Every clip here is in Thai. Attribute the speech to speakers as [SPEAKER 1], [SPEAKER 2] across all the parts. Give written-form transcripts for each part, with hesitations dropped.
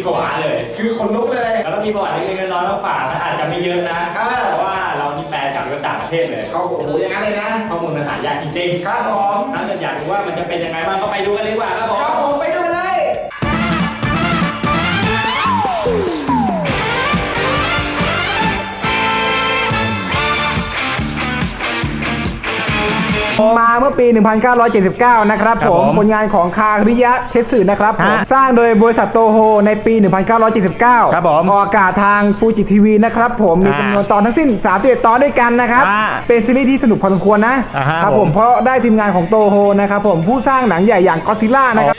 [SPEAKER 1] ผวาเลย
[SPEAKER 2] คือขนลุกเลย
[SPEAKER 1] แล้วก็มีประวัติเล็กๆน้อยๆมาฝากนะอาจจะไม่เยอะนะเพราะว่าเรานี่แปลจากต่างประเทศเลย
[SPEAKER 2] ก็โอ้โหอย่างนั้นเลยนะ
[SPEAKER 1] ข้อมูลมันหายากจริง
[SPEAKER 2] ๆครับผม
[SPEAKER 1] ถ้าเกิดอยากรู้ว่ามันจะเป็นยังไงบ้างก็ไปดูกันเลยดีกว่าครับ
[SPEAKER 2] ผมไปดูเลยมาเมื่อปี 1979 นะครับผมผลงานของคาริยะเทสึนะครับผมสร้างโดยบริษัทโตโฮในปี 1979
[SPEAKER 1] ครับผม
[SPEAKER 2] ออกอากาศทางฟูจิทีวีนะครับผมมีจำนวนตอนทั้งสิ้น31ตอนด้วยกันนะครับเป็นซีรีส์ที่สนุกพอสมควรนะครับผมเพราะได้ทีมงานของโตโฮนะครับผมผู้สร้างหนังใหญ่อย่างก็อดซิลล่านะครับ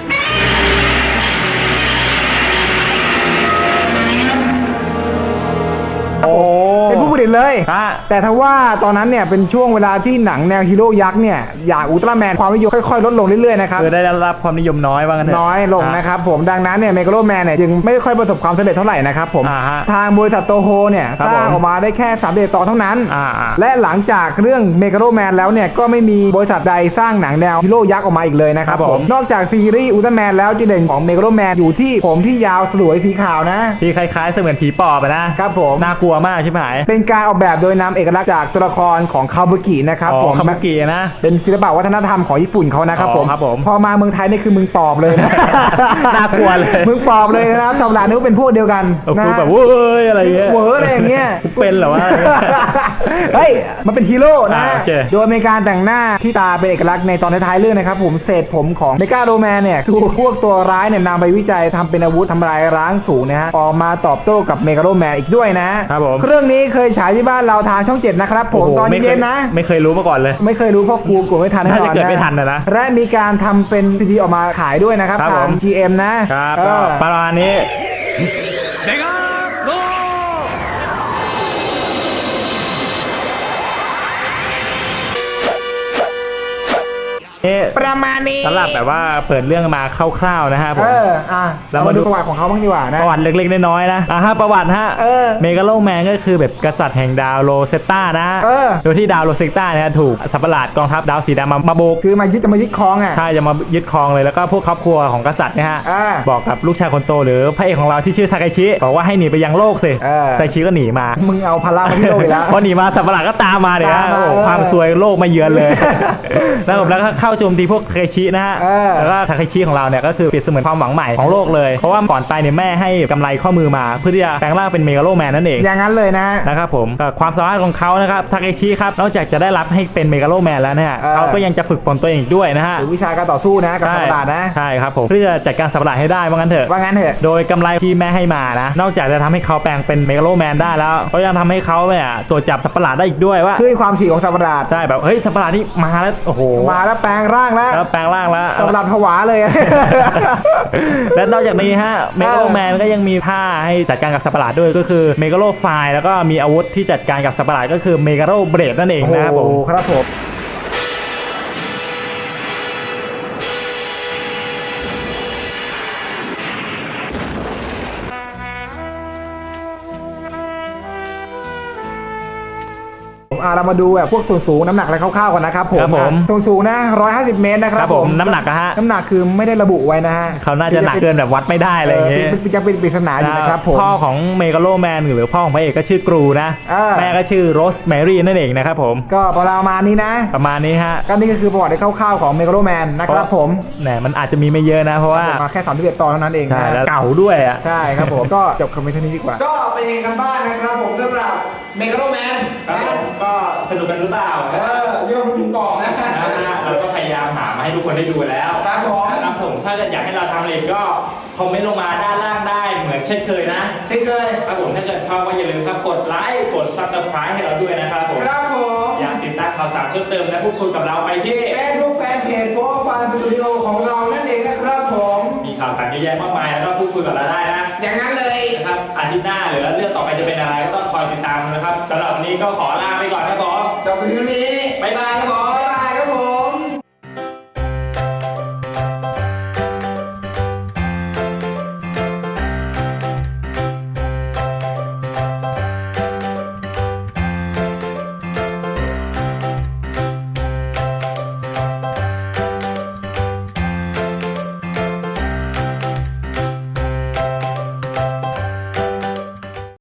[SPEAKER 2] เป็นผู้ผลิตเลยแต่ถ้าว่าตอนนั้นเนี่ยเป็นช่วงเวลาที่หนังแนวฮีโร่ยักษ์เนี่ยอย่างอุลตร้าแมนความนิยมค่อยๆลดลงเรื่อยๆนะครับ
[SPEAKER 1] คือได้รับความนิยมน้อยว่างั้น
[SPEAKER 2] น้อยลงนะครับผมดังนั้นเนี่ยเมกาโลแมนเนี่ยจึงไม่ค่อยประสบความสำเร็จเท่าไหร่นะครับผมทางบริษัทโตโฮเนี่ยสร้างออกมาได้แค่31ตอนเท่านั้นและหลังจากเรื่องเมกาโลแมนแล้วเนี่ยก็ไม่มีบริษัทใดสร้างหนังแนวฮีโร่ยักษ์ออกมาอีกเลยนะครับผมนอกจากซีรีส์อุลตร้าแมนแล้วจุดเด่นของเมกาโลแมนอยู่ที่ผมที่ยาวสลวยสีขาวนะ
[SPEAKER 1] ที่คล้ายๆเสมือนผีปอบนะครับ
[SPEAKER 2] ผม
[SPEAKER 1] น่ากลัวมากใช่ไหม
[SPEAKER 2] เป็นการออกแบบโดยนำเอกลักษณ์จากตัวละครของคาบุกินะครับ
[SPEAKER 1] ผมคาบุกินะ
[SPEAKER 2] เป็นศิลปะวัฒนธรรมของญี่ปุ่นเขานะครับผมพอมาเมืองไทยนี่คือมึงปอบเลยนะ
[SPEAKER 1] น่ากลัวเลย
[SPEAKER 2] มึงปอบเลยนะสัปดาห์นี้เป็นพวกเดียวกัน
[SPEAKER 1] นะแบบเว้ยอะไรเงี้ย
[SPEAKER 2] เว้ยอะไรอย่างเงี้ย
[SPEAKER 1] เป็นเหรอวะ
[SPEAKER 2] เฮ้ยมันเป็นฮีโร่นะโดยมีการแต่งหน้าที่ตาเป็นเอกลักษณ์ในตอนท้ายๆเรื่องนะครับผมเศษผมของเมกาโลแมนเนี่ยถูกพวกตัวร้ายเนี่ยนำไปวิจัยทำเป็นอาวุธทำลายล้างสูงนะฮะออกมาตอบโต้กับเมกาโลแมนอีกด้วยนะครับ
[SPEAKER 1] ผม
[SPEAKER 2] เรื่องนี้เคยฉายที่บ้านเราทางช่อง7นะครับผมตอนเย็นนะ
[SPEAKER 1] ไม่เคยรู้มาก่อนเลย
[SPEAKER 2] ไม่เคยรู้เพราะกูไม่ทัน
[SPEAKER 1] น่าจะเกิดไม่ทันนะ
[SPEAKER 2] และมีการทำเป็นซีดีออกมาขายด้วยนะครับทาง GM
[SPEAKER 1] นะครับประมาณนี้
[SPEAKER 2] ประมาณนี้
[SPEAKER 1] สำหรับแบบว่าเปิดเรื่องมาคร่าวๆนะฮะผม
[SPEAKER 2] เรามาดูประวัติของเขาบ้างดีกว่านะ
[SPEAKER 1] ประวัติเล็กๆน้อยๆนะประวัติฮะเมกาโลแมนก็คือแบบกษัตริย์แห่งดาวโรเซตตานะโดยที่ดาวโรเซตตาเนี่ยถูกสัตว์ประหลาดกองทัพดาวสีดำมาบุก
[SPEAKER 2] คือจะมายึดครอง
[SPEAKER 1] ใช่จะมายึดครองเลยแล้วก็พวกครอบครัวของกษัตริย์เนี่ยฮะบอกกับลูกชายคนโตหรือพระเอกของเราที่ชื่อทาเคชิบอกว่าให้หนีไปยังโลกสิทาเคชิก็หนีมา
[SPEAKER 2] มึงเอาพลังมาที่โลกอีกแล้ว
[SPEAKER 1] พอหนีมาสัตว์ประหลาดก็ตามมาเนี่ยความซวยโลกมาเยือนเลยแล้วก็เข้าโจมตีพวกทาเคชินะฮะแล้วก็ทาเคชิของเราเนี่ยก็คือเปรียบเสมือนความหวังใหม่ของโลกเลยเพราะว่าก่อนตายเนี่ยแม่ให้กำไรข้อมือมาเพื่อที่จะแปลงร่างเป็นเมกาโลแมนนั่นเอง
[SPEAKER 2] อย่างนั้นเลย
[SPEAKER 1] นะครับผมความสามารถของเขานะครับทาเคชิครับนอกจากจะได้รับให้เป็นเมกาโลแมนแล้วเนี่ยเขาก็ยังจะฝึกฝนตัวเองด้วยนะฮะ
[SPEAKER 2] หรือวิชาการต่อสู้นะกับสัตว์ประหลาดนะ
[SPEAKER 1] ใช่ครับผมเพื่อจัดการสัตว์ประหลาดให้ได้ว่างั้นเถอะโดยกำไรที่แม่ให้มานะนอกจากจะทำให้เขาแปลงเป็นเมกาโลแมนได้แล้วก็ยังทำให้เขาเนี่ยตรวจจับสัตว์ประหลาดได้อีกด้วยว่า
[SPEAKER 2] คือความถี่ของสัตว์ประหลาด
[SPEAKER 1] ใช่แบบเฮ้ยสัตว์ประหลาดนี่มาแล้วโอ้โห
[SPEAKER 2] มาแล้วแปลงร่างแล้ว
[SPEAKER 1] แปลงร่างแล้ว
[SPEAKER 2] สัตว์ประหลาดผวาเลย
[SPEAKER 1] และนอกจากนี้ฮะเมกาโลแมนก็ยังมีท่าให้จัดการกับสัตว์ประหลาดด้วยก็คือเมกาโลไฟแล้วก็มีอาวุธที่จัดการกับสัตว์ประหลาดก็คือเมกาโลเบรดนั่นเองนะครับผม
[SPEAKER 2] ครับผมเรามาดูแบบพวกส่วนสูงน้ำหนักอะไรคร่าวๆก่อนนะครับผมส่วนสูงนะ150 เมตรนะครับ
[SPEAKER 1] ผมน้ำหนักฮะ
[SPEAKER 2] น้ำหนักคือไม่ได้ระบุไว้นะฮะ
[SPEAKER 1] เขาน่าจะหนักเกินแบบวัดไม่ได้อะไรอย่างเงี้ย
[SPEAKER 2] จะเป็นปริศนาอยู่นะครับผม
[SPEAKER 1] พ่อของเมกาโลแมนหรือพ่อของพระเอกก็ชื่อกรูนะแม่ก็ชื่อโรสแมรี่นั่นเองนะครับผม
[SPEAKER 2] ก็ประมาณนี้นะ
[SPEAKER 1] ประมาณนี้ฮะ
[SPEAKER 2] ก็นี่ก็คือประวัติคร่าวๆของเมกาโลแมนนะครับผม
[SPEAKER 1] เนี่ยมันอาจจะมีไม่เยอะนะเพราะว่า
[SPEAKER 2] มาแค่31ตอนเท่านั้นเอง
[SPEAKER 1] ใช่แล้วเก่าด้วยอ่ะ
[SPEAKER 2] ใช่ครับผมก็จบคำเท่านี้ดีกว่าก็เป็นยังไงกันบ้างนะครับผมสำหรับเมกาโลแมน
[SPEAKER 1] ก็สนุกกันหรือเปล่า
[SPEAKER 2] เรื่องมึงบอกนะ
[SPEAKER 1] เราก็พยายามหามาให้ทุกคนได้ดูแล้ว
[SPEAKER 2] ครับผม
[SPEAKER 1] นะครับผมถ้าเกิดอยากให้เราทำอะไรก็คอมเมนต์ลงมาด้านล่างได้เหมือนเช่นเคยนะ
[SPEAKER 2] เช่นเคย
[SPEAKER 1] ครับผมถ้าเกิดชอบก็อย่าลืมครับกดไลค์กด Subscribe ให้เราด้วยนะครับผม
[SPEAKER 2] ครับผม
[SPEAKER 1] อยากติดตามข่าวสารเพิ่มเติมและพูดคุยกับเราไปที่
[SPEAKER 2] Facebook Fanpage โฟร์ฟันสตูดิโอของเรานั่นเองนะครับผม
[SPEAKER 1] มีข่าวสารเยอะแยะมากมายแล้วก็พูดคุยกับเราได้นะ
[SPEAKER 2] อย่างนั้นเลย
[SPEAKER 1] นะครับอาทิตย์หน้าหรือเรื่องต่อไปจะเป็นอะไรก็ต้องคอยติดตามนะครับสำหรับวันนี้ก็ขอลาไปก่อนครับผม
[SPEAKER 2] จบกันที่นี้
[SPEAKER 1] บ๊ายบายครับผม